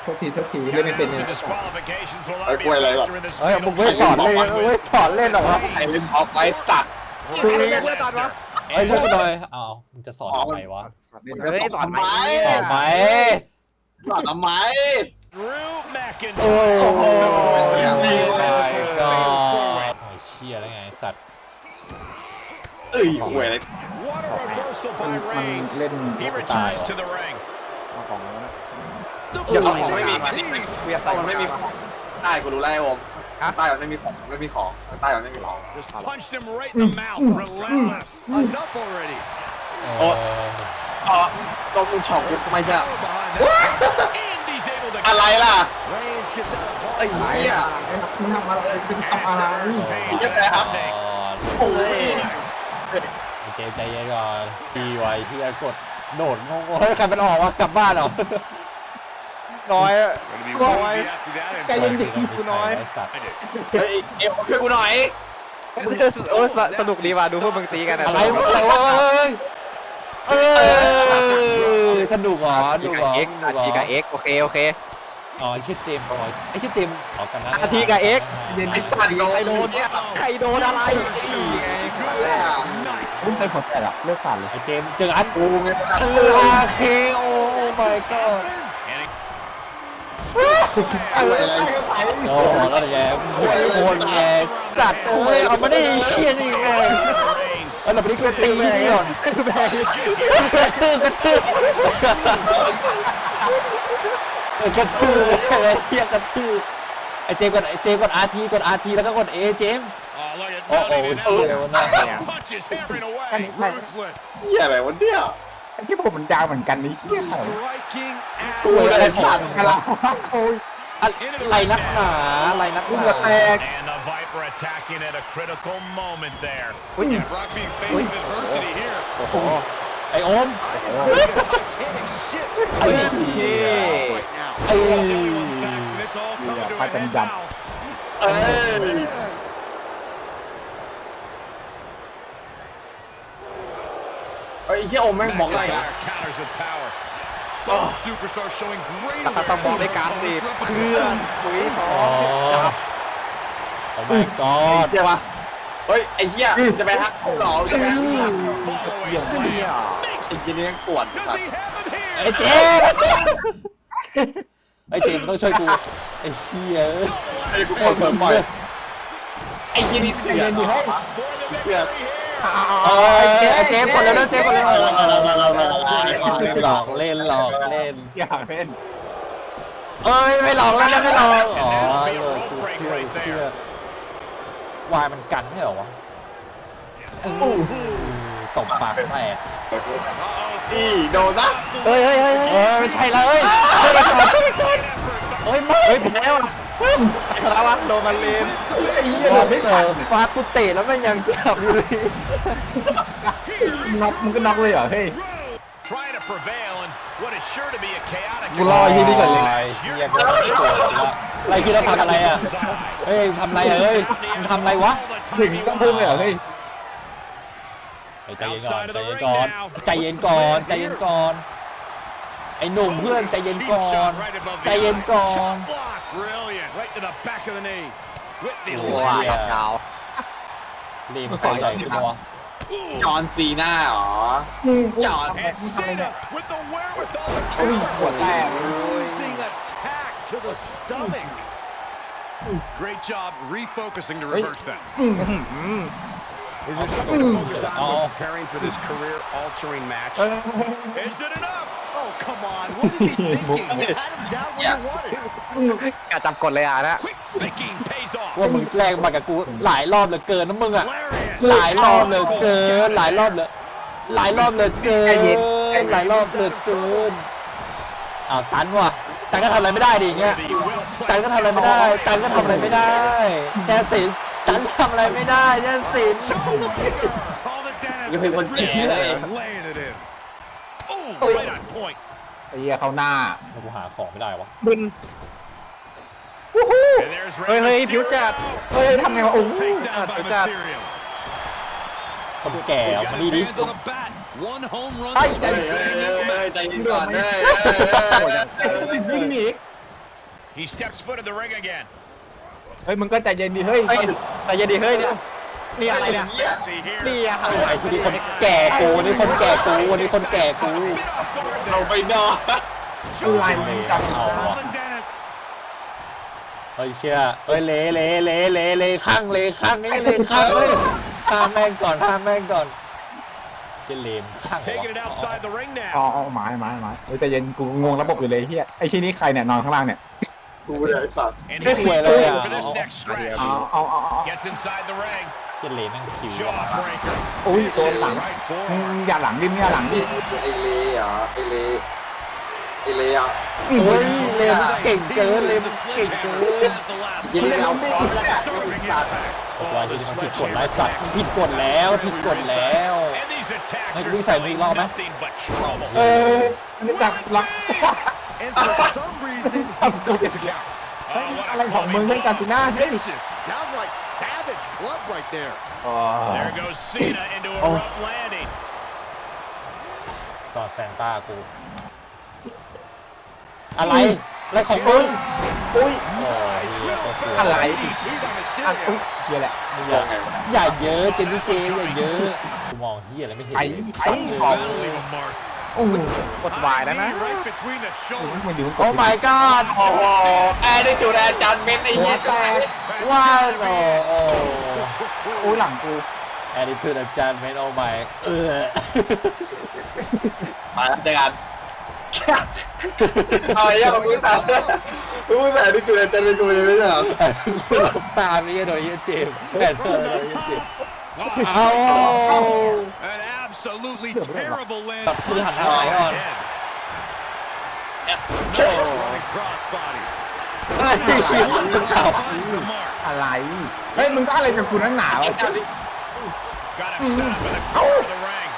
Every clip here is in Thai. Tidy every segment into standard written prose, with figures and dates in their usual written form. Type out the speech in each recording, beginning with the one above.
โทษทีเล่นไม่เป็นเนี่ยไอ้กล้วยอะไรหรอเฮ้ยมึงไม่สอนเลยไม่สอนเล่นหรอวะไอ้เล่นออฟไว้สัตว์เฮ้ยช่วยกูหน่อยอ้าวมึงจะสอนทำไมวะเฮ้ยสอนไหมสอนไหมสอนทำไมโอ้โหเสียก็โอ้ยเชี่ยแล้วไงสัตว์เอ้ยกล้วยอะไรมันเล่นตายเอาของแล้วนะอย่าเอาของไม่มีเวียต้องมันไม่มีใต้กูรู้แล้วไอ้โอมใต้มันไม่มีของไม่มีของใต้มันไม่มีของ Punched him right in the mouth. Relentless. Enough already. โอ้ตรงมึงช็อกไม่ใช่ And he's able to อะไรล่ะ Reigns gets out of ไอ้ harm's เหี้ยมึงทำอะไรเป็นทำอะไรโอ้ยเจใจเย็นก่อนดีไว้ที่จะกดโดดงงเฮ้ยใครมันออกวะกลับบ้านเหรอน้อย Gonna be woozy after that. ใจเย็นดิกูน้อยสัตว์เฮ้ยเอ็มช่วยกูหน่อยโอ้สนุกดีว่ะดูพวกมึงตีกันอะไรวะเอ้ยสนุกเหรอสนุกเหรอเอ็กทีกับเอ็กโอเคอ๋อไอ้ชื่อเจมส์ไอ้ชื่อเจมส์ออกกันนะทีกับเอ็กไอ้สัตว์ใครโดนเนี่ยใครโดนอะไรไงไม่ใช่ผมแต่ละเลือดสั่นเลยไอ้เจมส์เจออันกูไงอาเคโอ้ my god อะไรโอ้แล้วแย่หัวโคนแย่จัดโอ้ยเอามาได้เชี่ยนี่ไงเอาเราไปนี่ก็ตีนี่ก่อนกระทืบกระทืบอะไรเฮียกระทืบไอ้เจมกดอาร์ทีแล้วก็กดเอเจม Oh, look at โอ้โห mounting it เชี่ย up. วันนั้น Punches hammering away. Ruthless. เหี้ยอะไรวะเนี่ยไอ้ที่ผมมันยาวเหมือนกันนี่เชี่ย Striking ตัวอะไรของกระลาโอ้ยอะไรนักหนาอะไรนักหนา And the Viper attacking at a critical moment there. Yeah, Brock being faced with adversity here. ไอโอม Titanic ship. ไอ้ Right now. ไอ้ Saxon, it's all coming to a head now. เอ้ยไอ้เหี้ยโอมแม่งบอกอะไรนะ McIntyre counters with power. Both superstars showing great ต้องบอกในการตีเพื่อนคุยต่อโอ้ my god เหี้ยวะเฮ้ยไอ้เหี้ยจะไปฮักหรอจะไปฮัก Fallaway slam. ไอ้เหี้ยนี่ปวด Does สัต he ว์ have him here? ไอ้เจมไอ้เจมต้องช่วยกูไอ้เชี่ยไอ้กูปวดเพิ่มบ่อยไอ้เหี้ยนี่เสือเสือไอ้เจมกดเลยนะเจมกดเลยหลอกเล่นอยากเล่นเอ้ยไม่หลอกแล้วนะไม่หลอกอ๋อเชื่อวายมันกันไม่เหรอวะตบปากแตกนี่โดนนะเฮ้ยไม่ใช่เลยช่วยก่อนเฮ้ยไม่แพ้ว่ะแล้ววะโดนมันเลนไอ้เหี้ยบอกไม่ไม่เออฟากูเตะแล้วมันยังจับอยู่เลยน็อกมึงก็น็อกเลยเหรอเฮ้ย Trying to prevail in what is sure to be a chaotic กูรอที่นี่ก่อนเลยเฮียกูปวดละอะไรคิดว่าทำอะไรอ่ะเฮ้ยทำอะไรเฮ้ยมึงทำอะไรวะถึงต้องพึ่งเลยเหรอเฮ้ยใจเย็นก่อนใจเย็นก่อนใจเย็นก่อนไอ้หนุ่มเพื่อนใจเย็นก่อนใจเย็นก่อน Brilliant. Right to the back of the knee. With the ว้า left. ดาวรีบตัวใหญ่ขึ้นวะจอนซีน่าหรอจอน And Cena with the wherewithal to โอ้ยปวดแตก bruising attack to the stomach. Great job refocusing to reverse that. Is there something to focus on when preparing for this career-altering match? Is it enough? Oh, come on. What is he thinking? You had him down where you wanted. กาจับกดเลยอ่ะนะ Quick thinking pays off. ว่ามึงแกล้งมากับกูหลายรอบเหลือเกินนะมึงอ่ะ Lariat. หลายรอบเหลือเกินหลายรอบเหลือเกินหลายรอบเหลือเกินอ้าวตันว่ะตันก็ทำอะไรไม่ได้ดิอย่างเงี้ยตันก็ทำอะไรไม่ได้ตันก็ทำอะไรไม่ได้แช่สินตันทำอะไรไม่ได้แช่สิน Called it down ยังเป็นคนแก่เลย laying it in. Ooh, right on point. ไอ้เหี้ยเข้าหน้ากูหาของไม่ได้วะบึน And there's เฮ้ย Rey ผิวจัดเฮ้ยทำไงวะโอ้ย Take down by Good job. Mysterio. คนแก่เอามาดีดิ Hands on the bat. One home run. ใจเย็นก่อนเลยวิ่งหนี He steps foot in the ring again. เฮ้ยมึงก็ใจเย็นดิเฮ้ยแต่ยันดีเฮ้ยเนี่ยนี่อะไรเนี่ย See here. นี่อะไอ้ที่นี่คนแก่กูนี่คนแก่กูนี่คนแก่กูเราไปนอนอะไรจับเอาวะ Calvin Dennis. เฮ้ยเชื่อเฮ้ยเละข้างเละข้างนี่เละข้างเลยห้ามแม่งก่อนเชี่ยเลมข้างวะ Taking it outside the ring อ๋อ now. อ๋อหมายเฮ้ยใจเย็นกูงงระบบอยู่เลยเฮียไอ้ที่นี่ใครเนี่ยนอนข้างล่างเนี่ยกูเลยไอ้สัตว์ And ไม่ he's คุยเลยอ่ะ for this next stretch. เอา Gets inside the ring. เชี่ยเลมแม่งคิว Jawbreaker. อุ้ยโดนหลัง Right มึง forearm. อย่าหลังดิมึงอย่าหลังดิไอเล่อะไอเล่อะเฮ้ยเลมเก่งเกินเลมเก่งเกินยิงเอาพร้อมแล้วกัน Starting impact. บอกว่าที่นี่มันผิดกฎไร้สัตว์ผิดกฎแล้ว And these attacks Hey, are we say we love, man. nothing but trouble. เออนี่จับหลัง And for some reason, he's stuck in the count. อะไรของมึงเล่นกันตีหน้าเฮ้ย Vicious, downright savage club right there. อ๋อ There goes Cena into a rough landing. ต่อแซนต้ากูอะไรของมึงอุ้ยโอ้ยเหี้ยก็คืออะไร DDT by อ่ะ Mysterio. อุ๊ยเฮียแหละอย่าเยอะเจนนี่เจอย่าเยอะกูมองเฮียอะไรไม่เห็นไอ้ That'll leave a mark. โอ้โหกดวายแล้วนะ Right between the shoulders. มันดูมันกโอ้ด my god โอ้โหแอร์ได้จุดอาจารย์เม้นไอ้เหี้ยว่าโอ้โอ้โอ้ยหลังกูแอดดิทูดอาจารย์เมนโอ้ my มาเจอกันเอาไอ้เหี้ยมึงพูดแต่ได้จุดอาจารย์เป็นกูยังไม่ได้เหรอกูหลบตาไม่ใช่โดยเฮียเจมส์แอดเธอโดยเฮียเจมส์ Wow. เอา An absolutely terrible land. มือหันทางไหนก่อน Running crossbody. เฮ้ยเอา Finds the mark. อะไรเฮ้ยมึงก็อะไรกับกูนั่นหนาวะ Got him set up in the corner of the ring.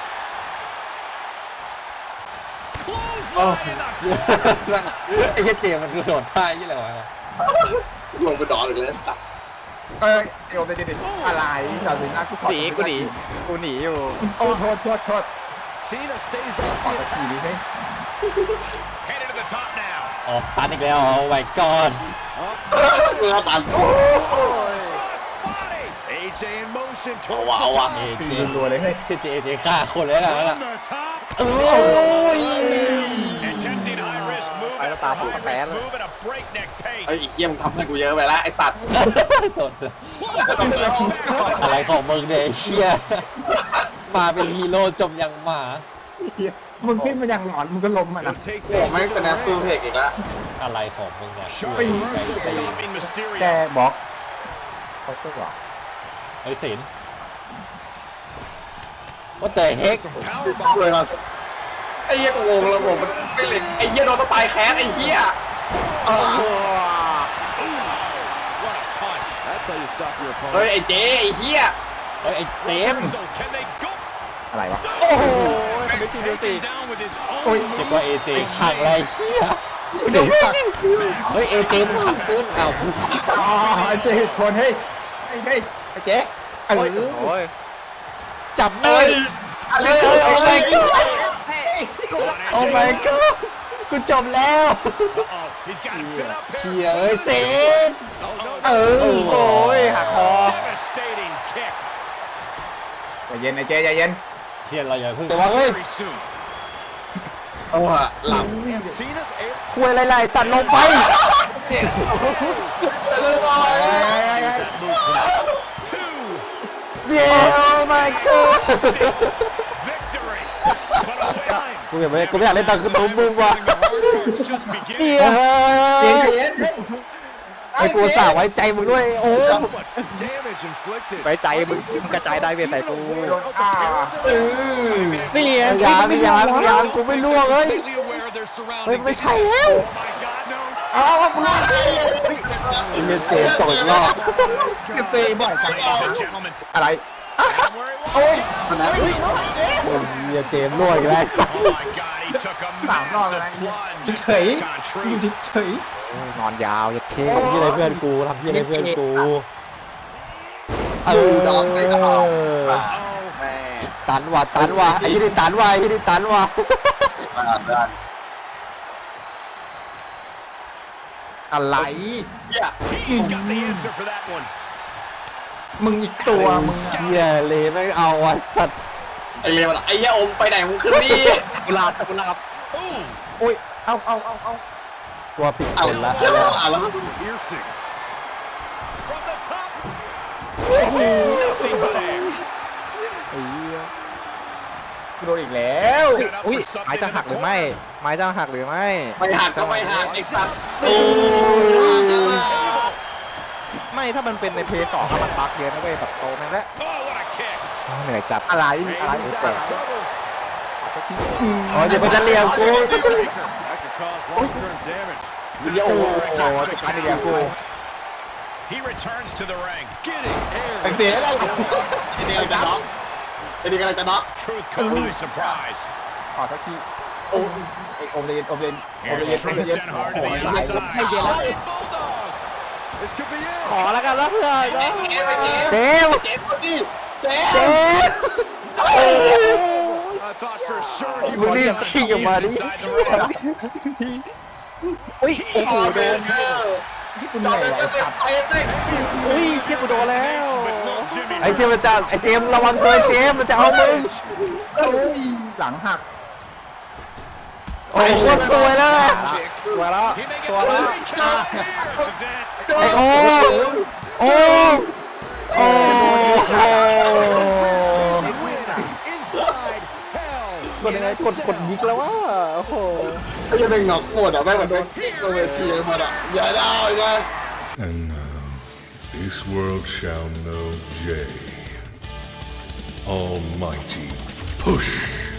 Clothesline in the ไอ้เฮียเจมส์มันคือโดดท่ายี่อะไรวะลงไปนอนอีกแล้วสัตว์เอ้ยเอวไปดิอะไรจอดสิหน้ากูขอกูหนีอยู่โอ้โทษ Cena stays ขอ up ตะ the กี้ดิ attack. เฮ้ย Headed to the top now. ออกตันอีกแล้วโอ้ my god เมื่อตัน Crossbody. AJ in motion เอา towards วะเอา the วะ top. เอตีเจรัวเลยเฮ้ยชื่อเจฆ่าคนเลยนะ On the top. โอ้ย Attempting high risk move. Ay, no estaba High por risk caer. move at a breakneck ไอ้ pace. เหี้ยมึงทำให้กูเยอะไปแล้วไอ้สัตว์โดดอะไรของมึงเนี่ยไอ้เชี่ยมาเป็นฮีโร่จมยังหมามึงขึ้นมาอย่างหลอนมึงก็ล้มอ่ะนะ He'll take โอ้ไม่คะแนนซูเทคอีกแล้วอะไรของมึงเนี่ย Sharp เฮ้ย reversal stopping แก Mysterio. บล็อกเขาก็บอกเฮ้ยศิลป์ What the heck Some power bomb. เลยครับไอ้เหี้ยกูงงระบบมันฟิลิกไอ้เหี้ยโดนตะตายแค้นไอ้เหี้ย What a punch. That's how you stop your เฮ้ย opponent. ไอ้เจ๊ไอ้เหี้ยเฮ้ยไอ้เจมส์ So can they go? อะไรวะโอ้โหทำไมทีเดียวสิ Taken down with his โอ้ย own คิดว่าเอเจขังอะไรเฮียเดี๋ยวตัดเฮ้ยเอเจมันขังเกินอ้าวอ๋อไอ้เจ๊คนเฮ้ยไอ้เจ๊เออโอ้ยจับหน่อยเฮ้ยโอ้ my god โอ้ my god กูจบแล้ว Uh-oh. He's got him set up เชี here. ยเอ้ยเซน Oh, no. เออโอ้ยหักคอ Devastating kick. ใจเย็นไอ้เจ๊ใจเย็นเชียเราอย่าเพิ่งแต่ว่าเฮ้ย Very soon. เอาอะหลับ And Cena's able คุยอะไรๆสัตว์ลงไป to เย้ oh my god victory. But a win. กูอยากเล่นตามคือตัวมึงว่ะ The hard part's just beginning. เจ๊ใจเย็นไอ้กูสาไว้ใจมึงด้วยโอ้ So much damage inflicted. ไว้ใจมึงกระจายได้เวียนใส่กูโดนฆ่านี่ไงยางกูไม่ล่วงเอ้ย Completely aware of their เฮ้ย surroundings. ไม่ใช่แล้ว Oh my God, no. อ้าวกูรอดไอ้เหี้ยเจมส์ตกอีกรอบเซบ่อยจัง Ladies and gentlemen, อะไร and where he was. โอ้ยไอ้เหี้ยเจมส์ล่วงอีกแล้ว Oh my God, he took a สามรอบ massive แล้ว plunge. เฉย Gone อยู่ true. เฉยนอนยาวยัดเข้ทำที่อะไรเพื่อนกูทำที่อะไรเพื่อนกูเอดอกไอ้กระอบอกแม่ตันว่ะไอ้ยี่นี่ตันว่ะอะไรเฮีย He's got the answer for that one. มึงอีกตัวมึงเชี่ยเลยไม่เอาอ่ะสัตว์ไอเลวไอ้เหี้ยอมไปไหนมึงขึ้นนี่กุหลาบกุหลาบ Ooh, โอ้ยเอาตัวผิดเอาคนละแล้ว piercing. From the top. Nothing but air. กูโดนอีกแล้ว Set up อุ้ย for ไม้ something จะ in หัก the หรือไม่ corner. ไม้จะหักหรือไม่ไม่หักก็ไม่หักไอ้สัตว์ไม่ถ้ามันเป็นในเพย์สองมันบั๊กเยอะนะเว้ยแบบโตแม่งแล้ว Oh, what a kick. เหนื่อยจัดอะไร He's แต่ out of trouble. อ๋อเดี๋ยวมันจะเลี้ยงกู That could cause long-term damage. เดี๋ยวโอ้โหจัดการเดียวกู He returns to the ring. Getting ไอ้ air. เสียอะไรไอ้นี่กำลังจะน็อกไอ้นี่กำลังจะน็อก Truth caught by surprise. ขอสักทีโอ้ไอ้โอมเลน Here's Trent sent hard to the inside. Flying Bulldog. This could be it. ขอแล้วกันแล้วเพื่อนเจมส์เจ๊คนนี้เจ๊เจมส์ I thought for sure he มึง was รีบ gonna ชิงออกมาดิ inside the ring. อุ้ยโอ้โหโดนที่กูจเหอนื่ดอยเต็มไอ้เต็สัมตว์เต็มเต็มอุ้ยเชี่ยกูโดนแล้ว But little Jimmy ไอ้เชี่ยมันจะไอ้เจมส์ระวังตัวไอ้เจมส์มันจะเอามึงเอ้ยหลังหักโอ้โหโคตรสวยแล้วนะตัวแล้ว He may get ตัวแล้ว the count. This is it. ไอ้โอ้โอ้โอ้กดยังไงกดยิกแล้วว่าโอ้โหไอ้ยังเป็นน็อกหมดอ่ะแม่งแบบเป็นกิ๊กเวทีหมดอ่ะอย่าได้นะ And now, this world shall know Jay. Almighty Push.